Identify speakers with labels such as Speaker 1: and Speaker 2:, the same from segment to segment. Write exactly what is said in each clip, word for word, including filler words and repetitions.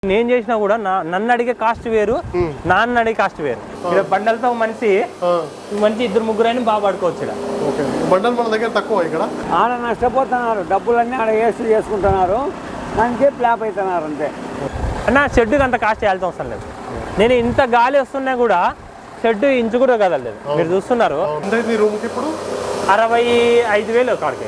Speaker 1: నేను చేసినా కూడా నన్ను అడిగే కాస్ట్ వేరు, నాన్న అడిగే కాస్ట్ వేరు. ఇక్కడ బండలతో మనిషి మంచి ఇద్దరు ముగ్గురు అయినా బాగా పడుకోవచ్చు. ఇక్కడ
Speaker 2: బండలు మన దగ్గర తక్కువ, ఇక్కడ
Speaker 3: ఆడ నష్టపోతున్నారు, డబ్బులన్నీ ఆడ వేస్ట్ చేసుకుంటున్నారు, దానికే ప్లాప్ అవుతున్నారు అంతే.
Speaker 1: అన్న షెడ్కి అంత కాస్ట్ చేయాల్సిన అవసరం లేదు. నేను ఇంత గాలి వస్తున్నా కూడా షెడ్ ఇంచు కూడా కదలేదు. మీరు చూస్తున్నారు
Speaker 2: రూమ్కి ఇప్పుడు
Speaker 1: అరవై ఐదు వేలు కాడికి.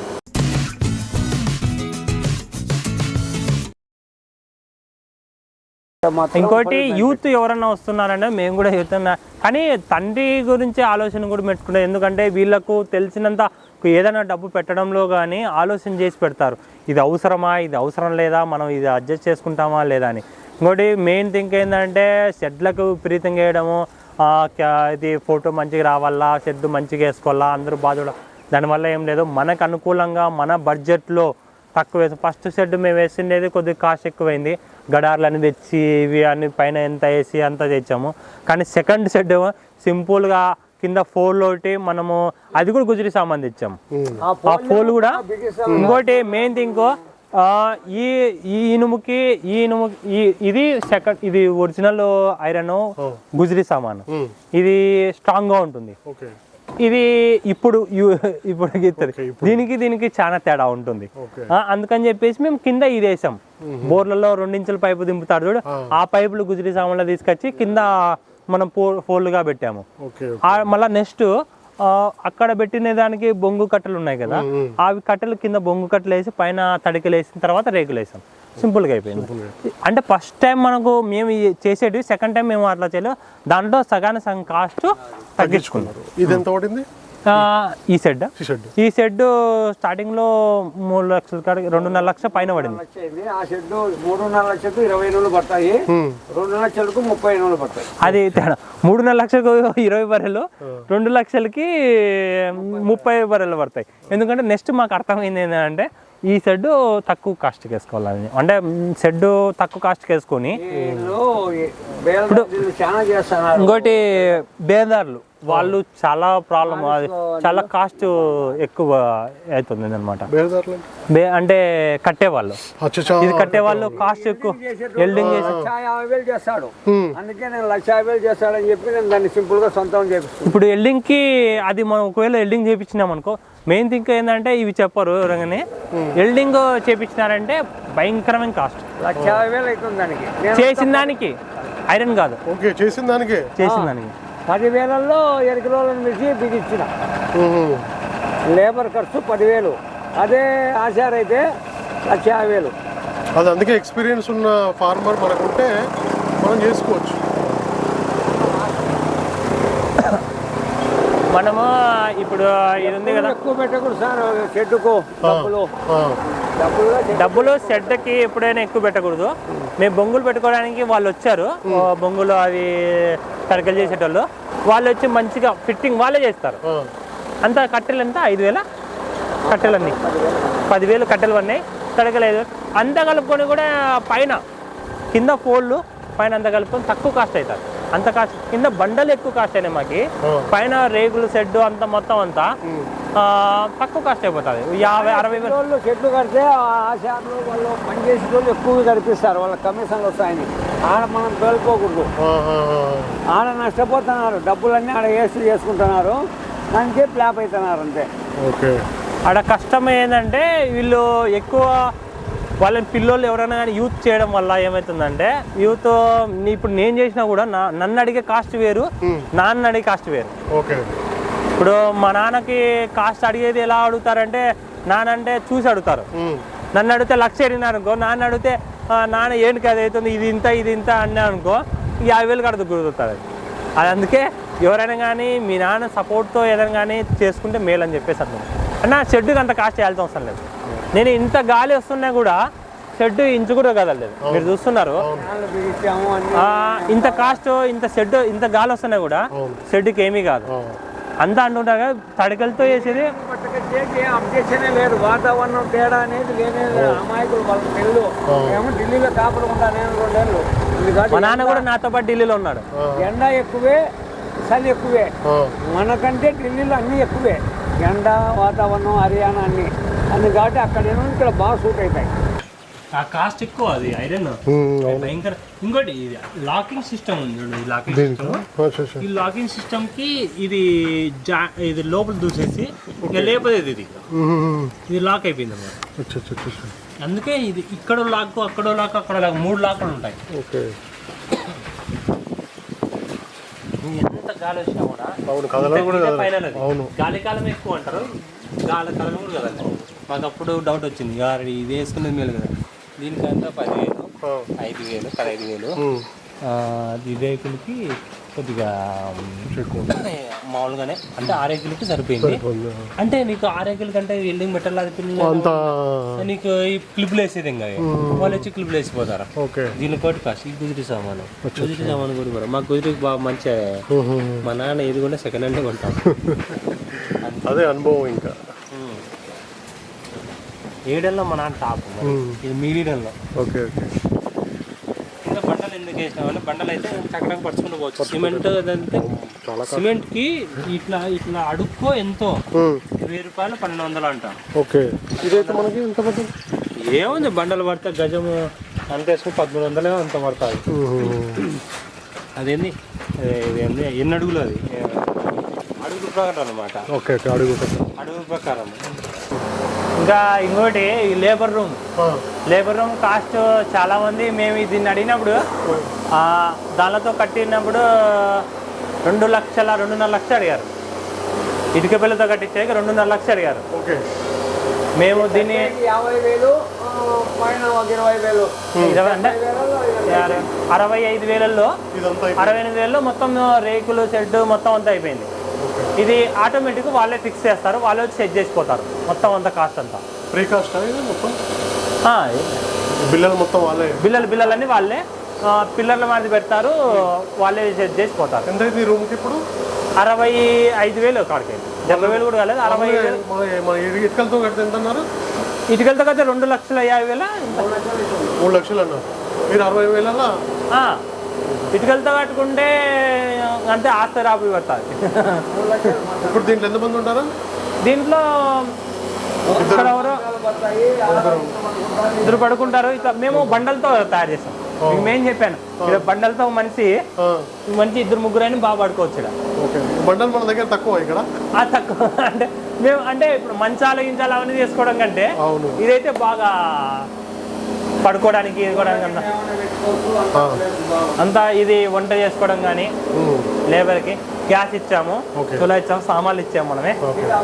Speaker 1: ఇంకోటి యూత్ ఎవరన్నా వస్తున్నారంటే మేము కూడా యూత్, కానీ తండ్రి గురించి ఆలోచన కూడా పెట్టుకుంటాం. ఎందుకంటే వీళ్ళకు తెలిసినంత ఏదైనా డబ్బు పెట్టడంలో కానీ ఆలోచన చేసి పెడతారు. ఇది అవసరమా, ఇది అవసరం లేదా, మనం ఇది అడ్జస్ట్ చేసుకుంటామా లేదా అని. ఇంకోటి మెయిన్ థింక్ ఏంటంటే షెడ్లకు విపరీతంగా వేయడము, ఇది ఫోటో మంచిగా రావాలా, షెడ్ మంచిగా వేసుకోవాలా, అందరూ బాధ. దానివల్ల ఏం లేదు, మనకు అనుకూలంగా మన బడ్జెట్లో తక్కువ వేసాం. ఫస్ట్ షెడ్ మేము వేసిండేది కొద్దిగా కాస్ట్ ఎక్కువైంది, గడార్లు అన్ని తెచ్చి ఇవి అన్ని పైన ఎంత వేసి అంతా తెచ్చాము. కానీ సెకండ్ షెడ్ సింపుల్గా కింద ఫోల్ ఒకటి మనము అది కూడా గుజరీ సామాన్ తెచ్చాము. ఆ ఫోల్ కూడా ఇంకోటి మెయిన్ థింగ్, ఈ ఈ ఇనుముకి ఈ ఇనుము ఇది సెకండ్, ఇది ఒరిజినల్ ఐరన్ గుజరీ సామాన్, ఇది స్ట్రాంగ్గా ఉంటుంది. ఇది ఇప్పుడు ఇప్పుడు గీస్తుంది, దీనికి దీనికి చాలా తేడా ఉంటుంది. అందుకని చెప్పేసి మేము కింద ఇది వేసాం. బోర్లలో రెండించుల పైపు దింపుతారు చూడు, ఆ పైపులు గుజరీ సామాన్లో తీసుకొచ్చి కింద మనం పో ఫోల్డ్గా పెట్టాము. మళ్ళీ నెక్స్ట్ అక్కడ పెట్టిన దానికి బొంగు కట్టెలు ఉన్నాయి కదా, అవి కట్టెలు కింద బొంగు కట్టెలు వేసి పైన తడికలు వేసిన తర్వాత రేకులు వేసాం. సింపుల్గా అయిపోయింది. అంటే ఫస్ట్ టైం మనకు మేము చేసేటివి, సెకండ్ టైం మేము అట్లా చేయలేదు. దాంట్లో సగాన సగం కాస్ట్ తగ్గించుకున్నారు.
Speaker 2: ఇది ఎంత పడింది
Speaker 1: ఈ షెడ్? ఈ షెడ్ స్టార్టింగ్ లో మూడు లక్షల కాడికి రెండున్నర లక్షల పైన పడింది.
Speaker 3: ఆ షెడ్ మూడున్నర లక్షలకు ఇరవై రోజులు పడతాయి, రెండు లక్షలకు ముప్పై రోజులు పడతాయి.
Speaker 1: అది తేడా. మూడున్నర లక్షలకు ఇరవై బర్రెలు, రెండు లక్షలకి ముప్పై బర్రెలు పడతాయి. ఎందుకంటే నెక్స్ట్ మాకు అర్థమైంది ఏంటంటే ఈ షెడ్ తక్కువ కాస్ట్కి వేసుకోవాలని, అంటే షెడ్ తక్కువ కాస్ట్కి వేసుకొని ఇంకోటి బేదారులు వాళ్ళు చాలా ప్రాబ్లం, చాలా కాస్ట్ ఎక్కువ అవుతుంది అనమాట. అంటే కట్టేవాళ్ళు, ఇది కట్టేవాళ్ళు కాస్ట్ ఎక్కువ ఎల్డింగ్ చేసి
Speaker 3: యాభై వేలు చేస్తాడు, అందుకే నేను లక్ష యాభై వేలు చేస్తాడని చెప్పి నేను దాన్ని సింపుల్ గా సొంతం చేపిస్తాను.
Speaker 1: ఇప్పుడు ఎల్డింగ్ కి అది మనం ఒకవేళ ఎల్డింగ్ చేపించినాం అనుకో, మెయిన్ థింగ్ ఏంటంటే ఇవి చెప్పరు ఎవరైనా, ఎల్డింగ్ చేపించినారంటే భయంకరమైన కాస్ట్.
Speaker 3: లక్ష యాభై వేలు అవుతుంది దానికి,
Speaker 1: చేసిన దానికి ఐరన్ కాదు,
Speaker 2: చేసిన దానికి
Speaker 1: చేసిన దానికి
Speaker 3: పదివేలలో ఎనిమిది రోజులను మించి బిగించిన లేబర్ ఖర్చు పదివేలు, అదే ఆచార అయితే లక్ష యాభై వేలు.
Speaker 2: అది అందుకే ఎక్స్పీరియన్స్ ఉన్న ఫార్మర్ మనకుంటే మనం చేసుకోవచ్చు.
Speaker 1: మనము ఇప్పుడు ఇది ఉంది కదా,
Speaker 3: ఎక్కువ పెట్టకూడదు సార్ షెడ్డుకు డబ్బులు.
Speaker 1: డబ్బులు షెడ్కి ఎప్పుడైనా ఎక్కువ పెట్టకూడదు. మేము బొంగులు పెట్టుకోవడానికి వాళ్ళు వచ్చారు, బొంగులు అవి తడకలు చేసేటోళ్ళు, వాళ్ళు వచ్చి మంచిగా ఫిట్టింగ్ వాళ్ళే చేస్తారు. అంత కట్టెలు ఎంత ఐదు వేల కట్టెలన్నీ, పదివేలు కట్టెలు ఉన్నాయి, తడకలు ఐదు వేలు అంతా కలుపుకొని కూడా పైన కింద ఫోల్డ్ పైన అంతా కలుపుకొని తక్కువ కాస్ట్ అవుతారు. అంత కాస్ట్ కింద బండలు ఎక్కువ కాస్ట్ అయినాయి మాకి, పైన రేగులు షెడ్ అంతా మొత్తం అంతా తక్కువ కాస్ట్ అయిపోతుంది. యాభై అరవై
Speaker 3: వేలు షెడ్లు కడితే ఆ షాప్లో వాళ్ళు పనిచేసే వాళ్ళు ఎక్కువగా కనిపిస్తారు, వాళ్ళ కమిషన్లు వస్తాయని. ఆడ మనం తోలుకోకూడదు, ఆడ నష్టపోతున్నారు, డబ్బులన్నీ ఆడ వేస్ట్ చేసుకుంటున్నారు, దానికే ప్లాప్ అవుతున్నారు అంతే.
Speaker 1: ఆడ కష్టం ఏంటంటే వీళ్ళు ఎక్కువ వాళ్ళని పిల్లోళ్ళు ఎవరైనా కానీ యూత్ చేయడం వల్ల ఏమవుతుందంటే, యూత్ ఇప్పుడు నేను చేసినా కూడా నా నన్ను అడిగే కాస్ట్ వేరు, నాన్న అడిగే కాస్ట్ వేరు. ఇప్పుడు మా నాన్నకి కాస్ట్ అడిగేది ఎలా అడుగుతారంటే, నాన్న అంటే చూసి అడుగుతారు. నన్ను అడిగితే లక్ష అడిగినారు అనుకో, నాన్న అడిగితే నాన్న ఏంటి అది అవుతుంది, ఇది ఇంత ఇది ఇంత అన్నా అనుకో, యాభై వేలు కడుతూ గుర్తుతుంది. అది అందుకే ఎవరైనా కానీ మీ నాన్న సపోర్ట్తో ఏదైనా కానీ చేసుకుంటే మేలు అని చెప్పేసి అర్థం. అన్న షెడ్కి అంత కాస్ట్ చేయాల్సిన అవసరం లేదు. నేను ఇంత గాలి వస్తున్నా కూడా షెడ్ ఇంచు కూడా కదలేదు. మీరు చూస్తున్నారు ఇంత కాస్ట్, ఇంత షెడ్ ఇంత గాలి వస్తున్నా కూడా షెడ్కి ఏమీ కాదు. అంతా అంటుంటారు కదా తడికలతో వేసేది,
Speaker 3: అప్డేషన్ లేదు, వాతావరణం తేడా అనేది లేనే అమాయకులు వాళ్ళ పెళ్ళు ఏమో ఢిల్లీలో కాపడకుండా నేను రెండేళ్ళు.
Speaker 1: మా నాన్న కూడా నాతో పాటు ఢిల్లీలో ఉన్నాడు.
Speaker 3: ఎండ ఎక్కువే, చలి ఎక్కువే, మనకంటే ఢిల్లీలో అన్నీ ఎక్కువే, ఎండ వాతావరణం హర్యానా అన్నీ అన్ని కాబట్టి అక్కడ ఏమో ఇక్కడ బాగా సూట్ అవుతాయి.
Speaker 1: ఆ కాస్ట్ ఎక్కువ అది ఐరన్ భయంకర. ఇంకోటి ఇది లాకింగ్ సిస్టమ్ ఉంది చూడు, ఈ లాకింగ్ సిస్టమ్ ఈ లాకింగ్ సిస్టమ్ కి ఇది జా ఇది లోపల దూసేసి ఇంకా లేపలేదు ఇది ఇది లాక్ అయిపోయింది అన్నమాట. అందుకే ఇది ఇక్కడ లాక్ అక్కడ లాక్ అక్కడ లాక్ మూడు లాక్లు ఉంటాయి. ఎంత గాలి వచ్చినా కూడా ఫైనల్ అది గాలి కాలం ఎక్కువ అంటారు, గాలి కాలం కూడా కదండి. మాకు అప్పుడు డౌట్ వచ్చింది, ఇది వేసుకునేది మేలు కదా, దీనికంతా పదివేలు ఐదు వేలు పదహైదు వేలు ఈ రేకులకి కొద్దిగా మామూలుగానే అంటే ఆరేకులకి సరిపోయింది. అంటే నీకు ఆరేకుల కంటే వెల్డింగ్ మెటల్ అది నీకు ఈ క్లిప్లు వేసేది ఇంకా వాళ్ళు వచ్చి క్లిప్లు వేసిపోతారు. దీని కోటి కాస్ట్ ఈ గుజరీ సామాను గుజరీ సామాను కూడా కూడా మాకు గుజరీకి బాగా మంచిగా మా నాన్న ఏది కూడా సెకండ్ హ్యాండ్ కొంటాం.
Speaker 2: అదే అనుభవం. ఇంకా
Speaker 1: ఏడల్లో మా నాన్న టాప్, ఇది మీడియంలో.
Speaker 2: Okay okay.
Speaker 1: ఇంకా బండలు ఎందుకు వేసినామంటే బండలు అయితే చక్కగా పరుచుకుంటూ పోవచ్చు. సిమెంట్ అదంటే సిమెంట్కి ఇట్లా ఇట్లా అడుక్కో ఎంతో ఇరవై రూపాయలు పన్నెండు వందలు అంట.
Speaker 2: ఓకే. ఇదైతే మనకి ఎంత పడుతుంది?
Speaker 1: ఏముంది బండలు పడితే గజము అంత వేసుకుని పదమూడు వందలే అంత పడుతుంది. అదేంది ఇదేంది ఎన్ని అడుగులు అది అడుగు ప్రకారం అనమాట.
Speaker 2: Okay okay. అడుగు
Speaker 1: అడుగు ప్రకారం. ఇంకా ఇంకోటి ఈ labour room labour room cost చాలా మంది మేము దీన్ని అడిగినప్పుడు దానితో కట్టినప్పుడు రెండు లక్షల రెండున్నర లక్షలు అడిగారు. ఇటుక పిల్లతో కట్టించాక రెండున్నర లక్షలు అడిగారు.
Speaker 2: ఓకే.
Speaker 1: మేము దీన్ని
Speaker 3: యాభై వేలు ఇరవై వేలు
Speaker 1: ఇరవై అంటే అరవై ఐదు వేలల్లో అరవై ఎనిమిది వేలలో మొత్తం రేకులు షెడ్ మొత్తం అంతా అయిపోయింది. ఇది ఆటోమేటిక్ వాళ్ళే ఫిక్స్ చేస్తారు, వాళ్ళే వచ్చి సెట్ చేసిపోతారు మొత్తం అంతా కాస్ట్ అంతా.
Speaker 2: ఫ్రీ కాస్ట్ మొత్తం
Speaker 1: బిల్లలు
Speaker 2: మొత్తం వాళ్ళే
Speaker 1: బిల్లలు బిల్లలన్నీ వాళ్ళే పిల్లర్ల మీద పెడతారు, వాళ్ళే సెట్ చేసిపోతారు.
Speaker 2: ఎంత ఈ రూమ్కి ఇప్పుడు?
Speaker 1: అరవై ఐదు వేలు కాడికి డెబ్బై వేలు కూడా కాలేదు, అరవై ఐదు వేలు.
Speaker 2: ఇటుకలతో కడితే ఎంత అన్నారు?
Speaker 1: ఇటుకలతో కడితే రెండు లక్షల యాభై వేల
Speaker 2: మూడు లక్షలు అన్నారు మీరు. అరవై వేల
Speaker 1: ఇటుకలతో కట్టుకుంటే అంతే ఆస్తి రాబడి పడుతుంది.
Speaker 2: ఇప్పుడు దీంట్లో ఎంతమంది ఉంటారు?
Speaker 1: దీంట్లో ఇక్కడ ఎవరో ఇద్దరు పడుకుంటారు. ఇట్లా మేము బండలతో తయారు చేస్తాం. మీకు మేము చెప్పాను ఇక్కడ బండలతో మనిషి మంచి ఇద్దరు ముగ్గురు అని బాగా పడుకోవచ్చు.
Speaker 2: బండలు మన దగ్గర తక్కువ ఇక్కడ
Speaker 1: తక్కువ అంటే మేము అంటే ఇప్పుడు మంచాలు గించాలు అవన్నీ చేసుకోవడం కంటే ఇదైతే బాగా పడుకోవడానికి ఎదుకోవడానికి అంతా అంతా ఇది వంట చేసుకోవడం కానీ లేబర్కి గ్యాస్ ఇచ్చాము, చులా ఇచ్చాము, సామాన్లు ఇచ్చాము మనమే.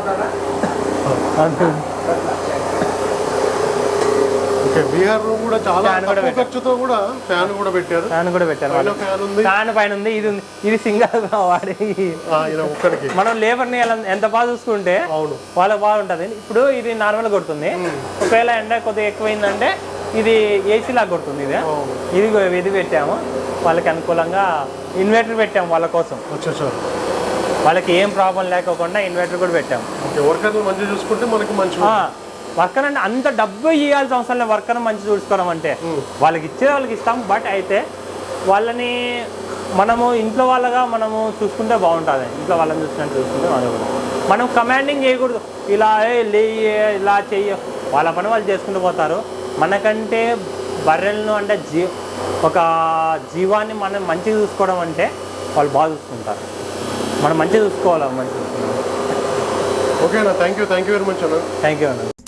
Speaker 2: బీహార్ రూమ్ కూడా చాలా ఖర్చుతో కూడా ఫ్యాన్ కూడా పెట్టారు.
Speaker 1: ఫ్యాన్ కూడా పెట్టారు. ఫ్యాన్ పైన ఉంది, ఇది ఉంది. ఇది సింగల్ వాడి మనం లేబర్ని ఎంత బాగా చూసుకుంటే వాళ్ళకి బాగుంటుంది. ఇప్పుడు ఇది నార్మల్ కొడుతుంది, ఒకవేళ ఎండ కొద్దిగా ఎక్కువైందంటే ఇది ఏసీ లాగా కొడుతుంది. ఇది ఇది ఇది పెట్టాము వాళ్ళకి అనుకూలంగా. ఇన్వర్టర్ పెట్టాము వాళ్ళ కోసం, వాళ్ళకి ఏం ప్రాబ్లం లేకోకుండా ఇన్వర్టర్ కూడా పెట్టాము.
Speaker 2: వర్కర్లు మంచిగా చూసుకుంటే మనకి మంచి
Speaker 1: వర్కర్ అంటే అంత డబ్బు ఇవ్వాల్సిన అవసరం లేదు. వర్కర్ మంచి చూసుకోవడం అంటే వాళ్ళకి ఇచ్చే వాళ్ళకి ఇస్తాం, బట్ అయితే వాళ్ళని మనము ఇంట్లో వాళ్ళగా మనము చూసుకుంటే బాగుంటుంది. ఇంట్లో వాళ్ళని చూసుకుంటే చూసుకుంటే వాళ్ళు కూడా మనం కమాండింగ్ చేయకూడదు. ఇలా లే ఇలా చెయ్య, వాళ్ళ పని వాళ్ళు చేసుకుంటూ పోతారు. మనకంటే బర్రెలను అంటే జీ ఒక జీవాన్ని మనం మంచిగా చూసుకోవడం అంటే వాళ్ళు బాగా చూసుకుంటారు. మనం మంచిగా చూసుకోవాలి. మంచిగా చూసుకుంటాం.
Speaker 2: ఓకే అన్న, thank you thank you very much అన్న.
Speaker 1: థ్యాంక్ యూ అన్న.